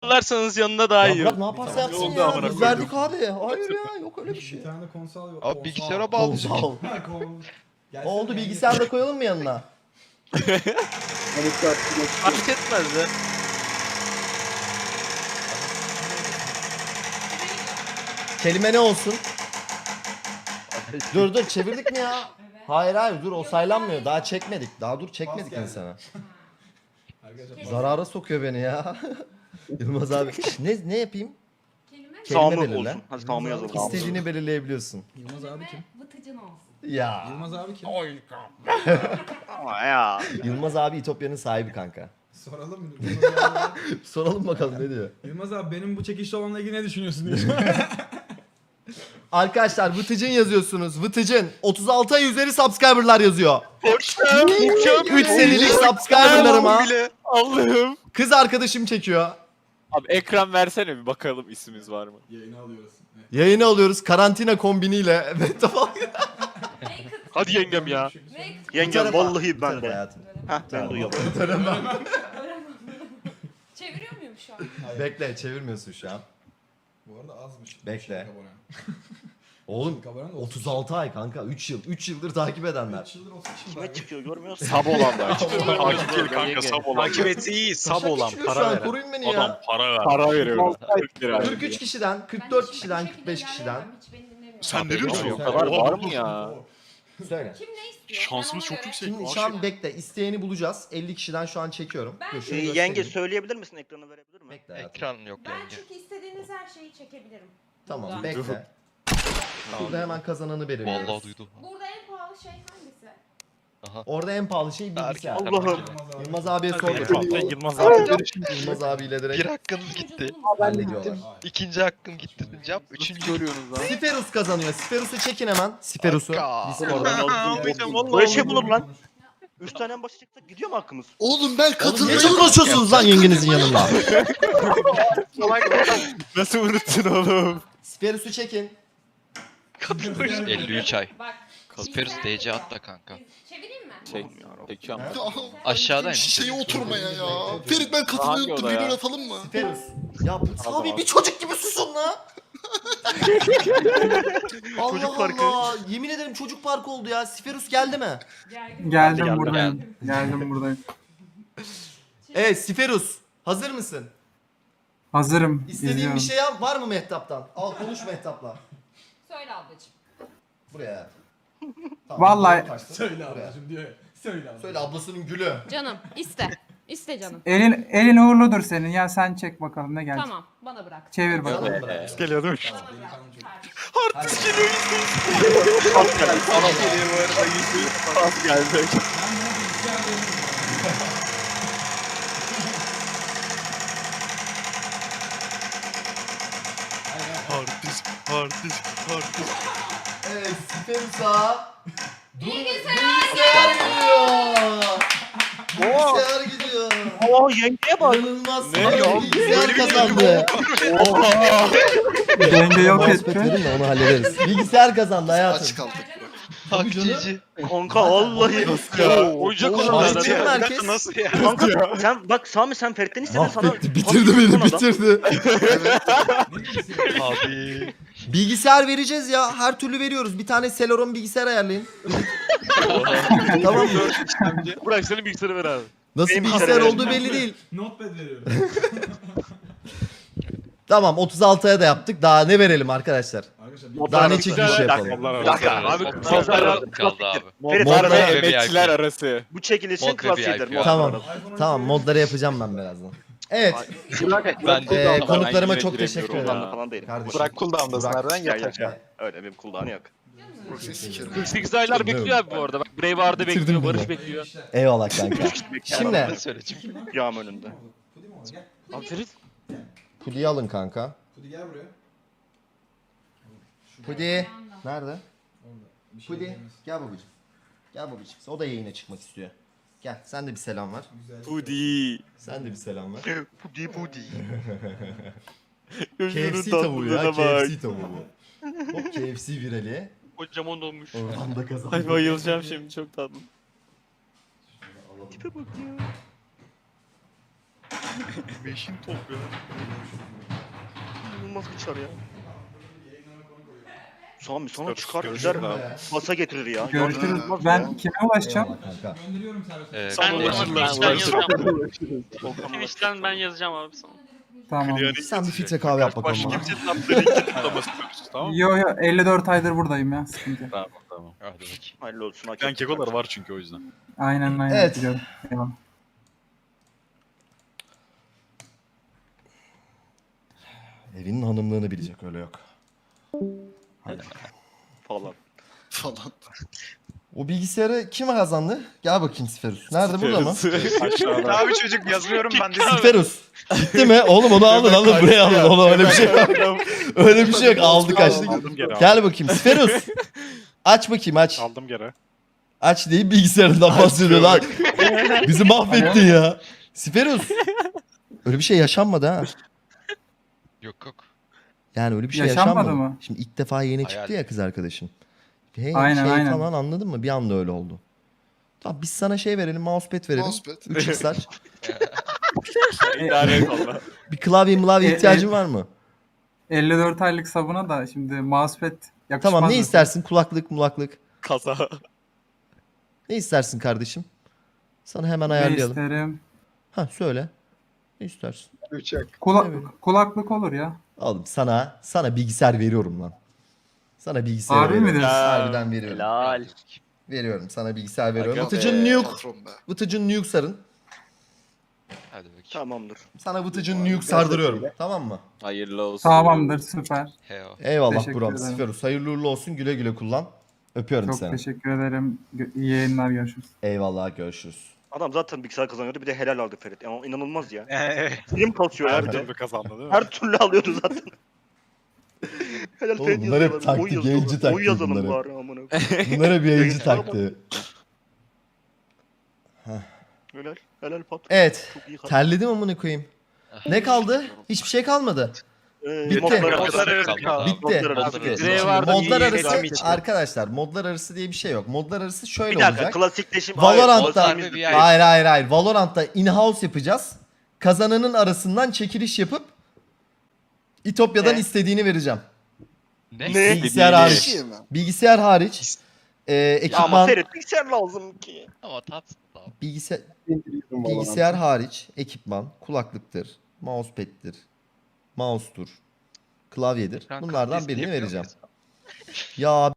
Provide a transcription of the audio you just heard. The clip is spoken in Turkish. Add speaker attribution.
Speaker 1: alırsanız yanına daha iyi.
Speaker 2: Bırak ne yaparsa yapsın ya. Biz verdik abi. Hayır ya yok öyle bir şey.
Speaker 3: Bir tane konsol yok.
Speaker 4: Abi bilgisayara bağlayacak.
Speaker 2: Konsol. Oldu bilgisayar da koyalım mı yanına?
Speaker 1: Fark etmez de.
Speaker 2: Kelime ne olsun? Dur çevirdik mi ya? Hayır dur o saylanmıyor. Daha çekmedik. Daha dur çekmedik insana. Zarara sokuyor beni ya. Yılmaz abi. Ne yapayım?
Speaker 5: Kelime
Speaker 2: Kelime
Speaker 6: Sağımı
Speaker 2: belirle.
Speaker 6: olsun. Hadi sağımı yazalım.
Speaker 2: İstediğini belirleyebiliyorsun.
Speaker 3: Yılmaz abi kim?
Speaker 5: vıtıcın olsun.
Speaker 2: Ya.
Speaker 3: Yılmaz abi kim?
Speaker 6: Ama ya.
Speaker 2: Yılmaz abi İtopya'nın sahibi kanka.
Speaker 3: Soralım mı? Yılmaz abi,
Speaker 2: Soralım bakalım ne diyor.
Speaker 3: Yılmaz abi benim bu çekişli olanla ilgili ne düşünüyorsun diye.
Speaker 2: Arkadaşlar Vıtıcın yazıyorsunuz. Vıtıcın 36 ay üzeri subscriber'lar yazıyor. 3 senelik subscriber'larıma
Speaker 1: Allah'ım.
Speaker 2: kız arkadaşım çekiyor.
Speaker 7: Abi ekran versene bir bakalım ismimiz var mı?
Speaker 3: Yayını alıyoruz. Evet.
Speaker 2: Yayını alıyoruz karantina kombiniyle. Evet tamam.
Speaker 1: Hadi yengem ya.
Speaker 6: Yengem vallahi ben de.
Speaker 2: Hayatım.
Speaker 6: Heh ben duyuyorum.
Speaker 5: Çeviriyor muyum şu an?
Speaker 2: Bekle çevirmiyorsun şu an.
Speaker 3: Bu arada azmış.
Speaker 2: Bekle.
Speaker 3: Şey, abone.
Speaker 2: Oğlum
Speaker 3: Kabaran da
Speaker 2: 36 ay kanka 3 yıl. 3 yıldır takip edenler.
Speaker 3: 3 yıldır 30 kişi
Speaker 6: Kime çıkıyor görmüyorsun?
Speaker 7: Sab olanlar.
Speaker 1: Takip değil kanka sab olan. Takip etse iyi sab
Speaker 2: Taşak
Speaker 1: olan
Speaker 2: geçmiyor şu
Speaker 1: para
Speaker 2: an,
Speaker 1: veren.
Speaker 2: koruyun beni
Speaker 1: Adam
Speaker 2: ya.
Speaker 1: para ver.
Speaker 7: Para veriyorum. 40 lira.
Speaker 2: 43 kişiden, 44 kişiden, 45 kişiden.
Speaker 1: Sen ne diyorsun?
Speaker 7: O kadar var mı ya?
Speaker 2: Söyle.
Speaker 5: Kim ne istiyor?
Speaker 1: Şansımız
Speaker 5: Ben ona
Speaker 1: çok
Speaker 5: göre-
Speaker 1: yüksek.
Speaker 2: Şimdi şu an bekle isteyeni bulacağız. 50 kişiden şu an çekiyorum.
Speaker 5: Ben-
Speaker 2: Dur, şunu
Speaker 6: Yenge
Speaker 2: göstereyim.
Speaker 6: söyleyebilir misin ekranı verebilir mi?
Speaker 2: Bekle hayatım.
Speaker 4: Ekran yok
Speaker 5: Ben
Speaker 4: yani.
Speaker 5: çünkü istediğiniz her şeyi çekebilirim.
Speaker 2: Tamam
Speaker 5: Burada.
Speaker 2: bekle. Burada hemen kazananı belirliyoruz.
Speaker 4: Vallahi duydum.
Speaker 5: Burada en pahalı şey hangisi?
Speaker 2: Orada en pahalı şey bilgisayar.
Speaker 6: Allah'ım.
Speaker 2: Yılmaz abiye sorduk.
Speaker 1: Yılmaz abi.
Speaker 2: Yılmaz abiyle direkt
Speaker 4: Bir hakkınız gitti.
Speaker 2: hallediyorlar.
Speaker 4: İkinci hakkım gitti diyeceğim. Üçüncü
Speaker 7: Görüyorsunuz lan.
Speaker 2: Siferus kazanıyor. Siferus'u çekin hemen. Siferus'u.
Speaker 4: Kanka.
Speaker 2: Discord'dan.
Speaker 6: Böyle şey bulur lan. 3 tane en başa çıktık gidiyor mu hakkımız?
Speaker 8: Oğlum ben
Speaker 2: Oğlum ne
Speaker 8: katılmıyorum.
Speaker 2: çok konuşuyorsunuz lan yengenizin yanında?
Speaker 7: Nasıl unuttun oğlum?
Speaker 2: Siferus'u çekin.
Speaker 4: 53 ay.
Speaker 5: Bak.
Speaker 4: Kasperus DC atla kanka.
Speaker 5: Çevireyim mi?
Speaker 7: Çekiyorum.
Speaker 4: Aşağıdayım.
Speaker 8: Şişeye oturmaya ya. Ferit ben
Speaker 7: Hangi
Speaker 8: katılmayı unuttum.
Speaker 7: oda ya?
Speaker 8: Bir atalım mı?
Speaker 2: Siferus. Ya
Speaker 7: Tamam,
Speaker 2: abi
Speaker 7: abi.
Speaker 2: bir çocuk gibi susun lan. Allah
Speaker 6: Çocuk parkı.
Speaker 2: Allah. Yemin ederim çocuk parkı oldu ya. Siferus geldi mi?
Speaker 5: Geldim.
Speaker 9: Geldim buradayım. Geldim buradayım.
Speaker 2: Evet Siferus. Hazır mısın?
Speaker 9: Hazırım.
Speaker 2: İstediğin
Speaker 9: izliyorum.
Speaker 2: bir şey yap. Var mı Mehtap'tan? Al konuş Mehtap'la.
Speaker 5: Söyle ablacığım.
Speaker 2: Buraya.
Speaker 9: Vallahi-
Speaker 2: doğru kaçtın.
Speaker 3: Söyle
Speaker 2: Buraya.
Speaker 3: ablacım diyor ya. Söyle ablacım.
Speaker 2: Söyle ablasının gülü.
Speaker 5: Canım iste. İste canım.
Speaker 9: Elin uğurludur senin. Ya sen çek bakalım ne gelecek.
Speaker 5: Tamam bana bırak.
Speaker 9: Çevir bakalım.
Speaker 2: Sana mı bırak?
Speaker 1: Geliyor değil mi?
Speaker 5: Bana bırak.
Speaker 2: Hadi.
Speaker 7: Az geldi.
Speaker 2: Evet Siferus'a. Bilgisayar geliyor. Bilgisayar gidiyor.
Speaker 6: Oo yengeye bak.
Speaker 2: İnanılmaz.
Speaker 1: Ne ya?
Speaker 2: Bilgisayar kazandı.
Speaker 9: Denge yok
Speaker 2: Muhabbet
Speaker 9: etti.
Speaker 2: verin de onu hallederiz. Bilgisayar kazandı hayatım.
Speaker 8: Aç kaldık.
Speaker 4: Takçici.
Speaker 6: Kanka vallahi.
Speaker 1: Oyuncak
Speaker 2: Oğlum,
Speaker 1: olan
Speaker 2: mahvetti
Speaker 1: adam.
Speaker 2: herkes.
Speaker 1: Nasıl ya?
Speaker 6: Kanka sen bak Sami sen Ferit'ten istedin sana.
Speaker 2: Mahvetti. Bitirdi beni bitirdi.
Speaker 4: Abi.
Speaker 2: Bilgisayar vereceğiz ya. Her türlü veriyoruz. Bir tane Celeron bilgisayar ayarlayın. Tamam mı?
Speaker 1: Bırak senin bilgisayarı ver abi.
Speaker 2: Nasıl
Speaker 6: Benim
Speaker 2: bilgisayar
Speaker 6: bilgisayarı
Speaker 2: olduğu belli değil.
Speaker 3: Notepad veriyorum.
Speaker 2: Tamam 36'ya da yaptık. Daha ne verelim arkadaşlar?
Speaker 3: Arkadaşlar
Speaker 2: Daha ne çekiliş yapalım?
Speaker 6: Bir dakika.
Speaker 1: Abi
Speaker 4: Modlar kaldı abi.
Speaker 6: Ferit
Speaker 2: Modlar
Speaker 6: abi,
Speaker 2: ve
Speaker 7: Emekçiler arası.
Speaker 6: bu çekilişin
Speaker 4: Mod ve
Speaker 6: klasiğidir.
Speaker 4: VIP.
Speaker 6: mod.
Speaker 2: Tamam. Tamam modları yapacağım ben birazdan. Evet.
Speaker 4: Ben de
Speaker 2: Konuklarıma
Speaker 7: Ben
Speaker 2: çok
Speaker 7: yine
Speaker 2: teşekkür
Speaker 7: giremiyorum
Speaker 2: ederim.
Speaker 6: Cooldown'da falan değilim.
Speaker 2: Kardeşim.
Speaker 1: Bırak cooldown'dasın
Speaker 2: Burak.
Speaker 1: nereden
Speaker 6: Ya,
Speaker 1: yeter.
Speaker 6: ya. Öyle benim cooldown'ı yok.
Speaker 8: Proxy sikerim.
Speaker 1: 48 aylar bekliyor abi bu arada. Bak Braveheart'ı
Speaker 2: Bitirdim
Speaker 1: bekliyor,
Speaker 2: bile.
Speaker 1: Barış bekliyor.
Speaker 2: Eyvallah kanka. Şimdi
Speaker 4: Ben söyleyeceğim.
Speaker 6: Yağım önünde.
Speaker 1: Abi Ferit.
Speaker 2: Pudi'yi alın kanka.
Speaker 3: Hadi gel buraya.
Speaker 2: Pudi. Nerede?
Speaker 3: Bir şey
Speaker 2: Pudi.
Speaker 3: diyemez.
Speaker 2: Gel babacığım. Gel babacığım. O da yayına çıkmak istiyor. Gel sen de bir selam ver.
Speaker 3: Güzel.
Speaker 7: Pudi.
Speaker 2: Sen de bir selam ver.
Speaker 6: Pudi pudi.
Speaker 2: KFC tavuğu ya. KFC tavuğu. Hop KFC virali.
Speaker 1: Kocaman olmuş.
Speaker 2: Oradan da kazandı.
Speaker 7: Ay bayılacağım şimdi çok tatlı.
Speaker 6: Tipe bak ya. Beşin top ya. İnanılmaz bir çar ya. Sami sana çıkar gider masa getirir ya.
Speaker 9: Görüşürüz.
Speaker 6: İnanılmaz
Speaker 9: Ben
Speaker 6: ya.
Speaker 9: kime ulaşacağım?
Speaker 2: Eyvallah kanka.
Speaker 3: Gönderiyorum servise.
Speaker 4: Ben
Speaker 1: Twitch'ten yazacağım.
Speaker 6: Volkan
Speaker 1: Twitch'ten ben yazacağım abi sana.
Speaker 9: Tamam.
Speaker 2: Sen bir filtre kahve yap bakalım
Speaker 7: Başka
Speaker 2: bana.
Speaker 7: kimsenin atları iki tıklaması yapıyoruz, tamam mı?
Speaker 9: Yo 54 aydır buradayım ya. Sıkıntı yok.
Speaker 7: Tamam.
Speaker 4: Hadi bakayım.
Speaker 6: Hayırlı olsun. hak
Speaker 7: Ben
Speaker 6: ettin
Speaker 7: kekolar
Speaker 6: kardeşim.
Speaker 7: var çünkü o yüzden.
Speaker 9: Aynen
Speaker 2: Evet.
Speaker 9: biliyorum. Eyvallah.
Speaker 2: Evinin hanımlığını bilecek öyle yok.
Speaker 6: Falan.
Speaker 8: Falan.
Speaker 2: O bilgisayarı kim kazandı? Gel bakayım Siferus. Nerede burada mı?
Speaker 7: Aşağıda.
Speaker 6: Abi çocuk yazmıyorum ben de.
Speaker 2: Siferus. Değil mi? Oğlum onu alın buraya alın. Oğlum öyle bir şey yok. Öyle bir şey yok. Aldık açtık.
Speaker 7: Aldım geri.
Speaker 2: Gel bakayım Siferus. Aç bakayım aç.
Speaker 7: Aldım geri.
Speaker 2: Aç deyip bilgisayarından bahsediyor lan. Bizi mahvettin ya. Siferus. Öyle bir şey yaşanmadı ha.
Speaker 4: Yok yok.
Speaker 2: Yani öyle bir şey
Speaker 9: Yaşanmadı
Speaker 2: yaşanmadı.
Speaker 9: mı?
Speaker 2: Şimdi ilk defa yeni
Speaker 4: Hayal.
Speaker 2: çıktı ya kız arkadaşın. Hey,
Speaker 9: Aynen,
Speaker 2: şey
Speaker 9: aynen.
Speaker 2: falan anladın mı? Bir anda öyle oldu. Tamam biz sana şey verelim, mousepad verelim.
Speaker 8: Mousepad.
Speaker 2: 3x'ler.
Speaker 7: İdare et valla.
Speaker 2: Bir klavye ihtiyacın var mı?
Speaker 9: 54 aylık sabuna da şimdi mousepad yakışmaz.
Speaker 2: Tamam ne
Speaker 9: mı?
Speaker 2: istersin? Kulaklık.
Speaker 7: Kaza.
Speaker 2: Ne istersin kardeşim? Sana hemen
Speaker 9: Ne
Speaker 2: ayarlayalım.
Speaker 9: isterim?
Speaker 2: Ha söyle. Ne istersin? Evet.
Speaker 9: Kulaklık olur ya.
Speaker 2: Oğlum sana bilgisayar veriyorum lan. Sana bilgisayar
Speaker 9: Harbi
Speaker 2: veriyorum.
Speaker 9: mi diyorsun?
Speaker 2: Harbiden veriyorum.
Speaker 6: Helal.
Speaker 2: Veriyorum sana bilgisayar veriyorum.
Speaker 7: Aga
Speaker 2: Vıtıcın nuke.
Speaker 8: Patron be.
Speaker 2: Vıtıcın nuke sarın.
Speaker 4: Hadi bakayım.
Speaker 6: Tamamdır.
Speaker 2: Sana vıtıcın nuke sardırıyorum. Tamam mı?
Speaker 7: Hayırlı olsun.
Speaker 9: Tamamdır süper.
Speaker 4: Heo.
Speaker 2: Eyvallah
Speaker 9: Teşekkür
Speaker 2: buram.
Speaker 9: ederim.
Speaker 2: Siferus. Hayırlı uğurlu olsun. Güle güle kullan. Öpüyorum
Speaker 9: Çok
Speaker 2: seni.
Speaker 9: teşekkür ederim. İyi yayınlar görüşürüz.
Speaker 2: Eyvallah görüşürüz.
Speaker 6: Adam zaten bilgisayar kazanıyordu bir de helal aldı Ferit. Ama inanılmaz ya. Film kasıyor ya
Speaker 7: Her
Speaker 6: bir de.
Speaker 7: türlü kazandı değil mi?
Speaker 6: Her türlü alıyordu zaten. Helal
Speaker 2: Oğlum
Speaker 6: Ferit
Speaker 2: bunlar hep
Speaker 6: yazıyorlar.
Speaker 2: taktik,
Speaker 6: Oy
Speaker 2: yayıncı
Speaker 6: yazıyorlar. Oy
Speaker 2: taktiği
Speaker 6: yazalım
Speaker 2: bunlar hep.
Speaker 6: bari amına koyayım.
Speaker 2: Bunlar hep yayıncı
Speaker 6: Yayıncılara bak.
Speaker 2: taktiği.
Speaker 6: Helal. Helal pat.
Speaker 2: Evet.
Speaker 6: Çok iyi.
Speaker 2: Terledim amına koyayım. Ne kaldı? Hiçbir şey kalmadı. Bitti.
Speaker 6: Modlar
Speaker 4: Modlar
Speaker 6: arası.
Speaker 4: kaldı.
Speaker 2: Bitti.
Speaker 6: Modlar arası.
Speaker 2: Bitti.
Speaker 1: Grey
Speaker 2: Şimdi
Speaker 1: vardı,
Speaker 2: modlar
Speaker 1: iyi
Speaker 2: arası
Speaker 1: reklam için.
Speaker 2: arkadaşlar modlar arası diye bir şey yok. Modlar arası şöyle
Speaker 6: Bir dakika
Speaker 2: olacak.
Speaker 6: klasikleşim.
Speaker 2: Valorant'ta
Speaker 6: Hayır,
Speaker 4: Modlar bir yer-
Speaker 2: hayır. Valorant'ta in-house yapacağız. Kazananın arasından çekiliş yapıp İtopya'dan
Speaker 6: Ne?
Speaker 2: istediğini vereceğim.
Speaker 4: Ne?
Speaker 2: Bilgisayar
Speaker 8: Bir
Speaker 2: hariç.
Speaker 8: şey mi?
Speaker 2: Bilgisayar hariç.
Speaker 6: Ama
Speaker 2: Ekipman
Speaker 6: Ferit bilgisayar lazım ki.
Speaker 4: Ama tatlı.
Speaker 2: bilgisayar hariç ekipman, kulaklıktır, mousepad'tir, mouse'tur, klavyedir.
Speaker 4: Ekran
Speaker 2: Bunlardan
Speaker 4: kalitesi
Speaker 2: birini
Speaker 4: yapıyor
Speaker 2: vereceğim.
Speaker 4: muyuz?
Speaker 2: Ya